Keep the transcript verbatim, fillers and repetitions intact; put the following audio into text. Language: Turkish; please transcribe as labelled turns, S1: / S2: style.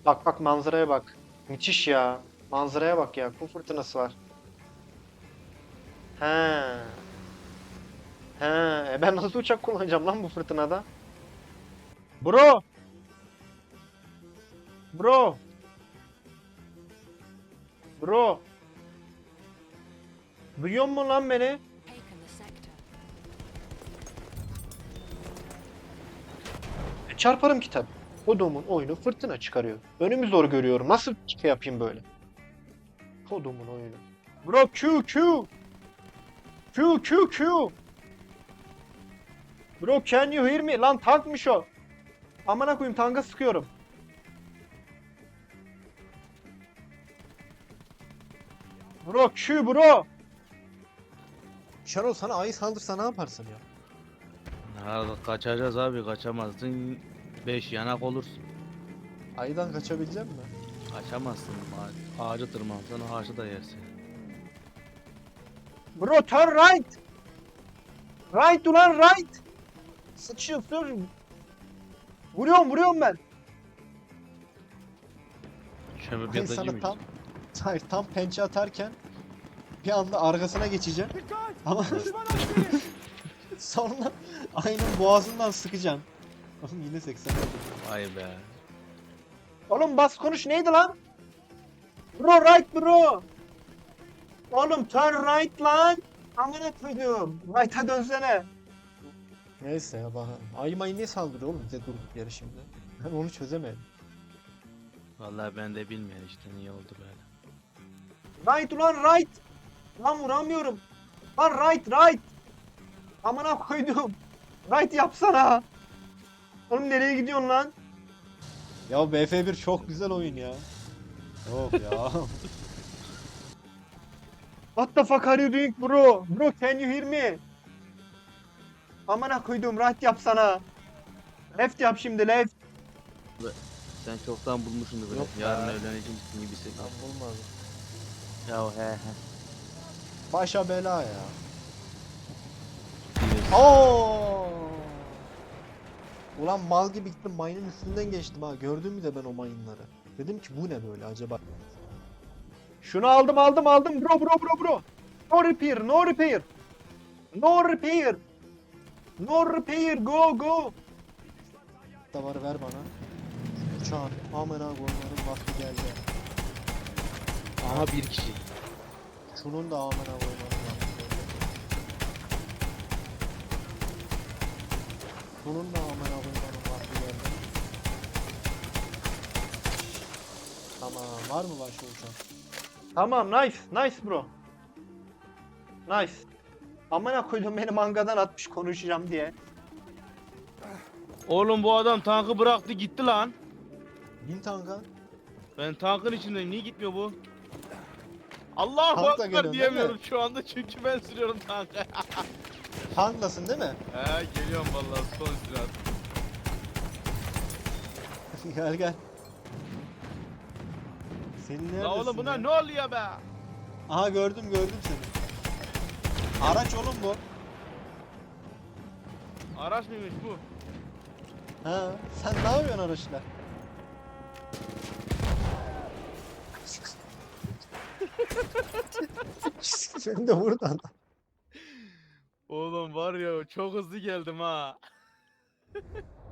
S1: Bak bak manzaraya bak. Müthiş ya. Manzaraya bak ya. Kum fırtınası var. He. He. E ben nasıl uçak kullanacağım lan bu fırtınada? Bro. Bro. Bro. Duyuyor musun lan beni?
S2: Taken the sector.
S1: E, çarparım kitap. Kodumun oyunu fırtına çıkarıyor. Önümü zor görüyorum. Nasıl şey yapayım böyle? Kodumun oyunu. Bro Q Q. Q Q Q. Bro can you hear me? Lan tankmış o. Amına koyayım tanka sıkıyorum. Bro Q bro.
S3: Şenol sana ayı saldırsa ne yaparsın ya?
S4: Ha, kaçacağız abi, kaçamazsın. Beş yanak olursun.
S3: Ayıdan kaçabilecek misin?
S4: Kaçamazsın. Ağ- Ağacı tırmansan ağacı da yersin.
S1: Bro turn right. Right ulan right. Sıçıyorsun. Vuruyorum vuruyorum ben.
S4: Şöyle bir
S3: Ben
S4: yatacı
S3: sana
S4: mıyız?
S3: tam hayır, tam pençe atarken bir anda arkasına geçeceğim. Ama sonra ayının boğazından sıkacağım. Oğlum yine seksen oldu.
S4: Vay be.
S1: Oğlum bas konuş neydi lan? Bro right bro. Oğlum turn right lan. Amına koydum. Right'a dönsene.
S3: Neyse ya bak. Ayı mayı niye saldırıyor oğlum bize durduk yere şimdi? Ben onu çözemedim.
S4: Vallahi ben de bilmiyorum işte niye oldu böyle.
S1: Right ulan right. Lan vuramıyorum. Lan right right. Amına koydum. Right yapsana. Oğlum nereye gidiyorsun lan?
S3: Ya B F bir çok güzel oyun ya. Yok ya.
S1: What the fuck are you doing bro? Bro can you hear me? Amına koydum right yapsana. Left yap şimdi left.
S4: Sen çoktan bulmuşsundur böyle.
S3: Yok
S4: Yarın
S3: be.
S4: evleneceksin gibisi.
S3: Ben bulmadım.
S4: Ya he he.
S3: Başa bela ya.
S4: Bilirsin.
S3: Oo! Ulan mal gibi gittim mayının üstünden geçtim ha. Gördün mü de ben o mayınları. Dedim ki bu ne böyle acaba?
S1: Şunu aldım aldım aldım bro bro bro bro. No repair no repair. No repair. No repair go go.
S3: Da var ver bana. Uçağın amına koymanın vakti geldi.
S4: Aha bir kişi.
S3: Şunun da amına koymanın vakti geldi. Şunun da amına koymanın vakti geldi. Tamam var mı başka uçak?
S1: Tamam nice nice bro. Nice. Amına koydum beni mangadan atmış konuşacağım diye.
S4: Oğlum bu adam tankı bıraktı gitti lan.
S3: Bin tanka.
S4: Ben tankın içindeyim. Niye gitmiyor bu? Allahu
S3: Tank da
S4: Ekber
S3: geliyor, değil
S4: diyemiyorum
S3: mi?
S4: şu anda çünkü ben sürüyorum tankı.
S3: Tanklasın değil mi?
S4: He geliyorum vallahi son sürat.
S3: Gel gel. Senin neredesin
S4: La oğlum
S3: ya?
S4: buna ne oluyor be?
S3: Aha gördüm gördüm seni. Araç oğlum bu.
S4: Araç mıymış bu?
S3: Ha, sen ne yapıyorsun araçla? Sen de buradan.
S4: Oğlum var ya çok hızlı geldim ha.